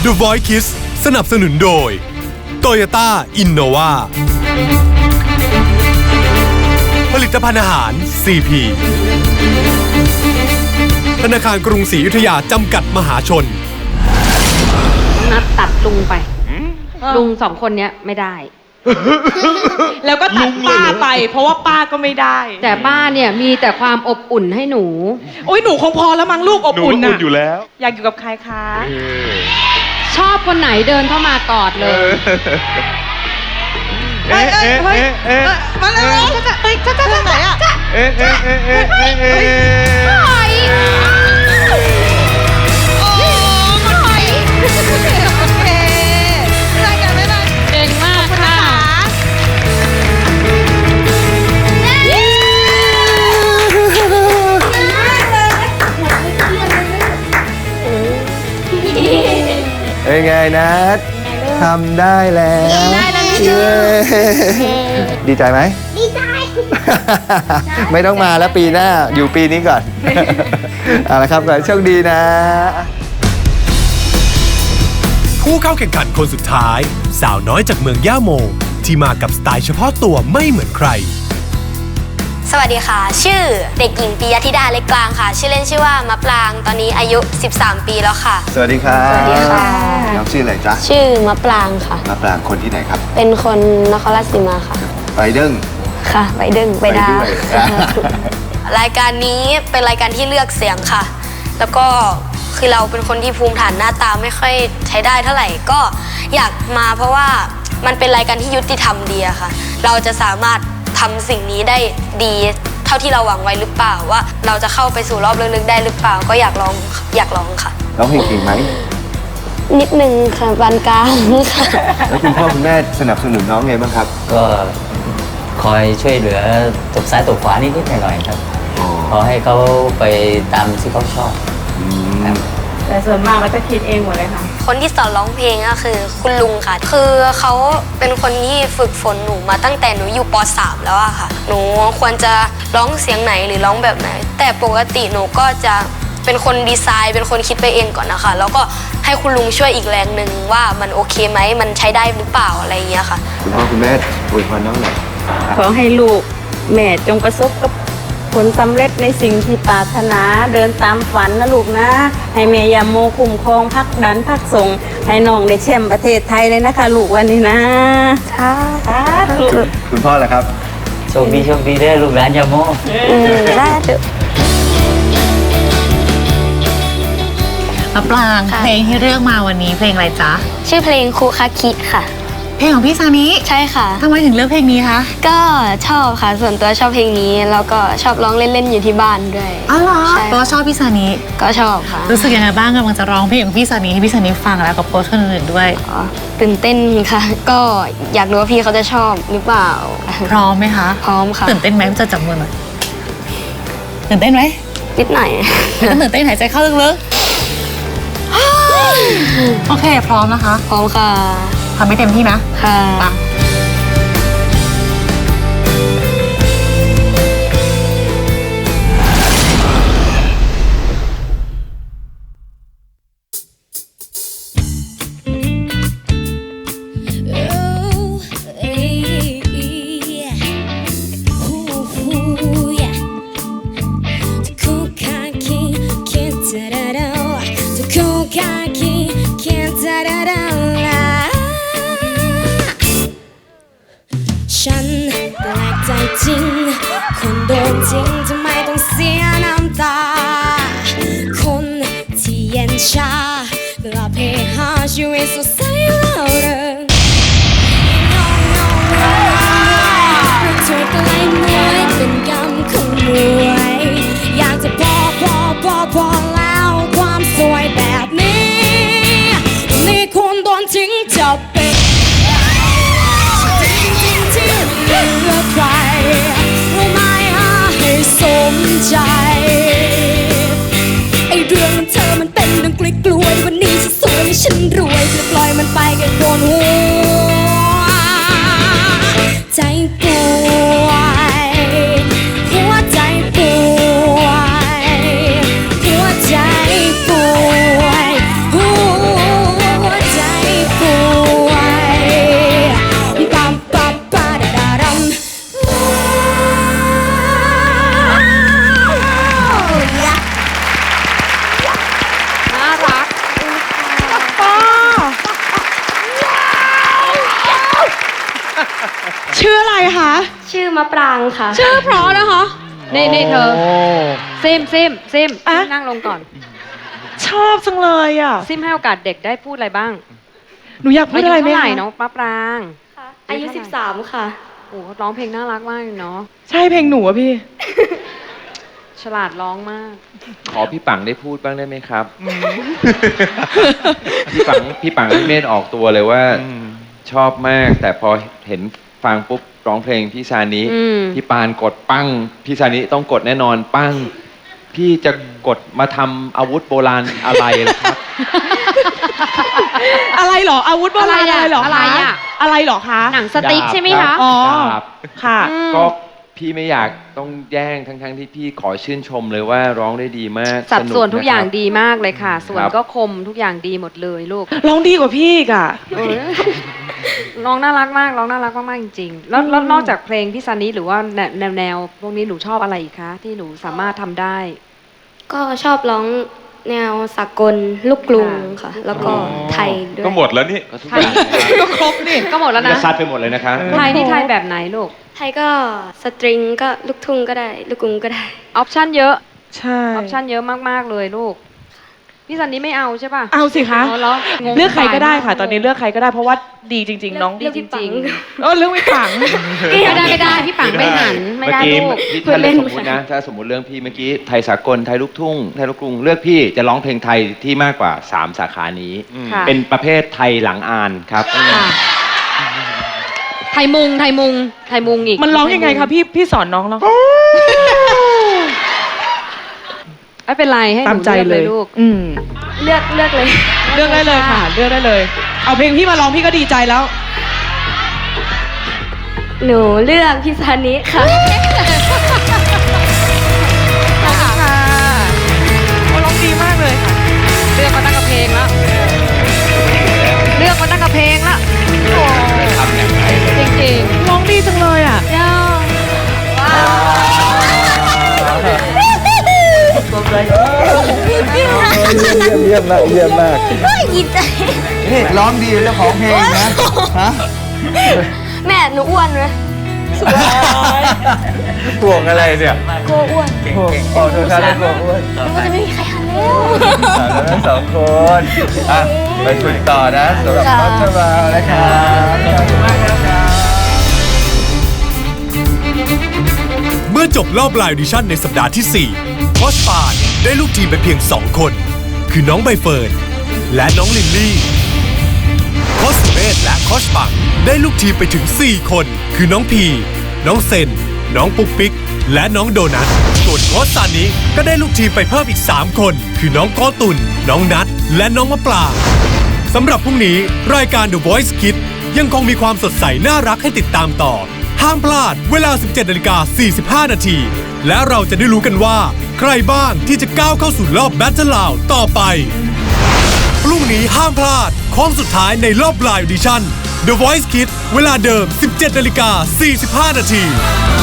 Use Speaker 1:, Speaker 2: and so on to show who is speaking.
Speaker 1: The Voice Kids สนับสนุนโดย Toyota Innova ผลิตภัณฑ์อาหาร CP ธนาคารกรุงศรีอยุธยาจำกัดมหาชน
Speaker 2: นัดตัดลุงไปลุง2 คนเนี้ยไม่ได้
Speaker 3: แล้วก็ตัดป้าไปเพราะว่าป้าก็ไม่ได้
Speaker 2: แต่ป้าเนี่ยมีแต่ความอบอุ่นให้หนู
Speaker 3: โอ้ยหนูคงพอแล้วมั้งลูกอบอุ่น
Speaker 4: อยู่แล้ว
Speaker 3: อยากอยู่กับใครคะ
Speaker 2: ชอบคนไหนเดินเข้ามากอดเลย
Speaker 3: เฮ้ยมาเลยเฮ้ยจ้าไหนอ่ะ
Speaker 5: เป็นไงนะทำได้แล้วดีใจไหมดีใจไม่ต้องมาแล้วปีหน้าอยู่ปีนี้ก่อนเอาละครับขอให้โชคดีนะ
Speaker 1: ผู้เข้าแข่งขันคนสุดท้ายสาวน้อยจากเมืองย่าโมที่มากับสไตล์เฉพาะตัวไม่เหมือนใคร
Speaker 6: สวัสดีค่ะชื่อเด็กหญิงปิยธิดาเล็กกลางค่ะชื่อเล่นชื่อว่ามะปรางตอนนี้อายุ13 ปีแล้วค่ะ
Speaker 5: สวัสดีครับ
Speaker 6: สวัสดีค่ะ
Speaker 5: น้องชื่ออะไรจ๊ะ
Speaker 6: ชื่อมะปรางค่ะ
Speaker 5: มะปรางคนที่ไหนครับ
Speaker 6: เป็นคนนครราชสีมาค่ะ
Speaker 5: ไปเด้ง
Speaker 6: ค่ะไปเด้งไปดารายการนี้เป็นรายการที่เลือกเสียงค่ะแล้วก็คือเราเป็นคนที่ภูมิฐานหน้าตาไม่ค่อยใช้ได้เท่าไหร่ก็อยากมาเพราะว่ามันเป็นรายการที่ยุติธรรมดีอะค่ะเราจะสามารถทำสิ่งนี้ได้ดีเท่าที่เราหวังไว้หรือเปล่าว่าเราจะเข้าไปสู่รอบลึกๆได้หรือเปล่าก็อยากลองค่ะ
Speaker 5: ร้องเพลงเก่งไหม
Speaker 6: นิดนึงค่ะปานกลางค่ะ
Speaker 5: แล้วคุณพ่อคุณแม่สนับสนุนน้องไงบ้างครับ
Speaker 7: ก็คอยช่วยเหลือตบซ้ายตบขวานิดๆหน่อยๆครับขอให้เขาไปตามที่เขาชอบ
Speaker 3: แต่ส่วนมากเราจะคิดเองหมดเลยค่ะ
Speaker 6: คนที่สอนร้องเพลงก็คือคุณลุงค่ะคือเขาเป็นคนที่ฝึกฝนหนูมาตั้งแต่หนูอยู่ป.3 แล้วอะค่ะหนูควรจะร้องเสียงไหนหรือร้องแบบไหนแต่ปกติหนูก็จะเป็นคนดีไซน์เป็นคนคิดไปเองก่อนนะคะแล้วก็ให้คุณลุงช่วยอีกแรงหนึ่งว่ามันโอเคไหมมันใช้ได้หรือเปล่าอะไรอย่างเงี้ยค่ะ
Speaker 5: คุณพ่อคุณแม่อวยพรน้องหน่อย
Speaker 3: ขอให้ลูกแม่จงประสบกับผลสำเร็จในสิ่งที่ปรารถนาเดินตามฝันนะลูกนะให้แม่ยาโมคุ้มครองพักดันพักส่งให้น้องได้แชมป์ประเทศไทยเลยนะคะลูกวันนี้นะ
Speaker 5: คุณพ่อล่ะครับ
Speaker 7: โชคดีได้ลูกหลานยาโม
Speaker 6: ได้เถอะ
Speaker 3: มะปรางเพลงที่เลือกมาวันนี้เพลงอะไรจ๊ะ
Speaker 6: ชื่อเพลงคูคาคิค่ะ
Speaker 3: เพลงของพี่ซานิ
Speaker 6: ใช่ค่ะ
Speaker 3: ทำไมถึงเลือกเพลงนี้คะ
Speaker 6: ก็ชอบค่ะส่วนตัวชอบเพลงนี้แล้วก็ชอบร้องเล่นๆอยู่ที่บ้านด้วย
Speaker 3: อ๋อเหรอเพราะชอบพี่ซานิ
Speaker 6: ก็ชอบค่ะ
Speaker 3: รู้สึกยังไงบ้างกำลังจะร้องเพลงของพี่ซานิให้พี่ซานิฟังแล้วกับโค้ชคนอื่นด้วย
Speaker 6: ตื่นเต้นค่ะก็อยากรู้ว่าพี่เขาจะชอบหรือเปล่า
Speaker 3: พร้อมไหมคะ
Speaker 6: พร้อมค่ะ
Speaker 3: ตื่นเต้นไหมจะจับมือหน่อยตื่นเต้นไหม
Speaker 6: นิดหน่อย
Speaker 3: ตื่นเต้นหายใจเข้าลึกๆโอเคพร้อมนะคะ
Speaker 6: พร้อมค่ะ
Speaker 3: ทำให้เต็มที่นะ
Speaker 6: ค่ะ
Speaker 8: ฉันแปลกใจจริงคนโดนจริงทำไมต้องเสียน้ำตาคนที่เย็นชากลับเพหาชีวิตสดใสเราเริงเราเธอก็เลยมวยเป็นกรรมของมวยอยากจะพอแล้วความสวยแบบนี้นี่คนโดนทิ้งจะเป็นเลือกใครรู้ไหมให้สมใจไอเรื่องเธอมันเป็นดังกล้วยวันนี้ฉันสวยและฉันรวยจะปล่อย
Speaker 6: มะปรางค่ะ
Speaker 2: ชื่อเพราะนะคะนี่เธอ
Speaker 5: โอ้
Speaker 2: ซิม
Speaker 4: อะ
Speaker 2: นั่งลงก่อน
Speaker 4: ชอบจังเลยอ่ะ
Speaker 2: ซิมให้โอกาสเด็กได้พูดอะไรบ้าง
Speaker 4: หนูอยากพูด
Speaker 2: อายุ
Speaker 4: อะไรไหม
Speaker 2: เท่าไหร่
Speaker 4: คะ
Speaker 2: น้องมะปราง
Speaker 6: อายุ 13 ค่ะ
Speaker 2: โอ้ร้องเพลงน่ารักมากเลยเนาะ
Speaker 4: ใช่เพลงหนูอะพี่
Speaker 2: ฉลาดร้องมาก
Speaker 9: ขอพี่ปังได้พูดบ้างได้ไหมครับ พี่ปังพี่เมธออกตัวเลยว่าชอบมาก แต่พอเห็นฟังปุ๊บร้องเพลงพี่ซานิ
Speaker 2: อืม
Speaker 9: พี่ปานกดปั้งพี่ซานิต้องกดแน่นอนปั้ง พี่จะกดมาทำอาวุธโบราณอะไรล่ะครับ
Speaker 4: อะไรเหรอ อาวุธโบราณอะไรเหรอ
Speaker 2: อะไร
Speaker 4: คะ
Speaker 2: อะ
Speaker 4: อะไรเหรอคะ
Speaker 2: หนังสติ๊กใช่ไหมคะ
Speaker 4: อ๋อ
Speaker 9: ดาบ
Speaker 4: ค่ะ
Speaker 2: อืม
Speaker 9: ก็พี่ไม่อยากต้องแย่งทั้งที่พี่ขอชื่นชมเลยว่าร้องได้ดีมาก
Speaker 2: สัดส่วนทุกอย่าง
Speaker 9: นะครับ
Speaker 2: ดีมากเลยค่ะ ส่วน
Speaker 9: ครับ
Speaker 2: ก็คมทุกอย่างดีหมดเลยลูก
Speaker 4: ร้องดีกว่าพี่อีกอะ
Speaker 2: เออน้องน่ารักมากร้องน่ารักมากๆจริงๆแล้วนอกจากเพลงพี่ซันนี่หรือว่าแนวพวกนี้หนูชอบอะไรอีกคะที่หนูสามารถทำได้
Speaker 6: ก็ชอบร้องแนวสากลลูกกรุงค่ะ แล้วก็ไทยด้วย
Speaker 9: ก็หมดแล้วนี่ก็ทุกอย่าง
Speaker 4: ก็ครบนี่
Speaker 2: ก็หมดแล้ว
Speaker 9: จะ
Speaker 2: นะ
Speaker 9: ซัดไปหมดเลยนะคะ
Speaker 2: ไทยนี่ไทยแบบไหนลูก
Speaker 6: ไทยก็สตริงก็ลูกทุ่งก็ได้ ลูกกรุงก็ได้
Speaker 2: ออปชั่นเยอะ
Speaker 4: ใช่
Speaker 2: ออปชั่นเยอะมากๆเลยลูกพี่ซันนี่ไม่เอาใช่ป่ะ
Speaker 4: เอาสิคะ
Speaker 2: เอาเหรองง
Speaker 4: เลือกใครก็ได้ค่ะ
Speaker 2: มาก
Speaker 4: ตอนนี้เลือกใครก็ได้เพราะว่าดีจริง ๆ น้อง
Speaker 6: เลือกพี่ปัง
Speaker 4: เรื่องไม่ฝัง
Speaker 2: ไม่ได้พี่ปังไม่หันไม่ได้
Speaker 9: เมื่อ
Speaker 2: ลูก
Speaker 9: กี้พี่ถ้าเลือกสมมตินะ ถ้าสมมติเรื่องพี่เมื่อกี้ไทยสากลไทยลูกทุ่งไทยลูกกรุงเลือกพี่จะร้องเพลงไทยที่มากกว่า 3 สาขานี้
Speaker 2: ค่ะ
Speaker 9: เป็นประเภทไทยหลังอ่านครับ
Speaker 2: ค่ะไทยมุงอีก
Speaker 4: มันร้องยังไงคะพี่สอนน้องร้อง
Speaker 2: ไม่เป็นไรให้ห
Speaker 4: ตาม
Speaker 2: นู
Speaker 4: ใจ
Speaker 2: เลือก
Speaker 4: เล
Speaker 2: เลย ยลูก
Speaker 4: อืม
Speaker 6: เลือกเลย
Speaker 4: เลือกได้เลยค่ะ เลือกได้เลย เอาเพลงพี่มาร้องพี่ก็ดีใจแล้ว
Speaker 6: หนูเลือกพี่ซานิค่ะ
Speaker 4: เขาร้องดีมากเลยค่ะ
Speaker 2: เลือกมาตั้งกับเพลงแล้วเลือกมาตั้งกับเพลงแล้วจริง
Speaker 4: ร้องดีจังเลยอ่ะ
Speaker 5: เยี่ยมมากเยี่ยมมาก
Speaker 6: ยินใจ
Speaker 5: นี่ร้องดีเจ้าของเพลงนะฮะ
Speaker 6: แม่หนูอ้วนไหม
Speaker 5: ห่วงอะไรเนี่ย
Speaker 6: กลัวอ้วน
Speaker 5: ห่วงขอโทษครับห่วงอ้วน
Speaker 6: มันจะไม่มีใครหันแล้ว
Speaker 5: ทั้งสองคนอ่ะไปฝึกต่อนะสำหรับน้องชมานะครับขอบคุณมากนะครับ
Speaker 1: เมื่อจบรอบไลน์ออดิชั่นในสัปดาห์ที่ 4 โค้ชปานได้ลูกทีมไปเพียง 2 คน คือน้องใบเฟิร์นและน้องลิลลี่ โค้ชสุเมธและโค้ชปังได้ลูกทีมไปถึง 4 คน คือน้องพี น้องเซน น้องปุ๊กปิ๊ก และน้องโดนัท ส่วนโค้ชซานิก็ได้ลูกทีมไปเพิ่มอีก 3 คน คือน้องโกตุน น้องนัท และน้องมะปรางสำหรับพรุ่งนี้รายการ The Voice Kids ยังคงมีความสดใสน่ารักให้ติดตามต่อ ห้ามพลาดเวลา 17:45 นาที และเราจะได้รู้กันว่า ใครบ้างที่จะก้าวเข้าสู่รอบ Battle Round ต่อไป พรุ่งนี้ห้ามพลาดโค้งสุดท้ายในรอบไลน์ออดิชั่น The Voice Kids เวลาเดิม 17:45 นาที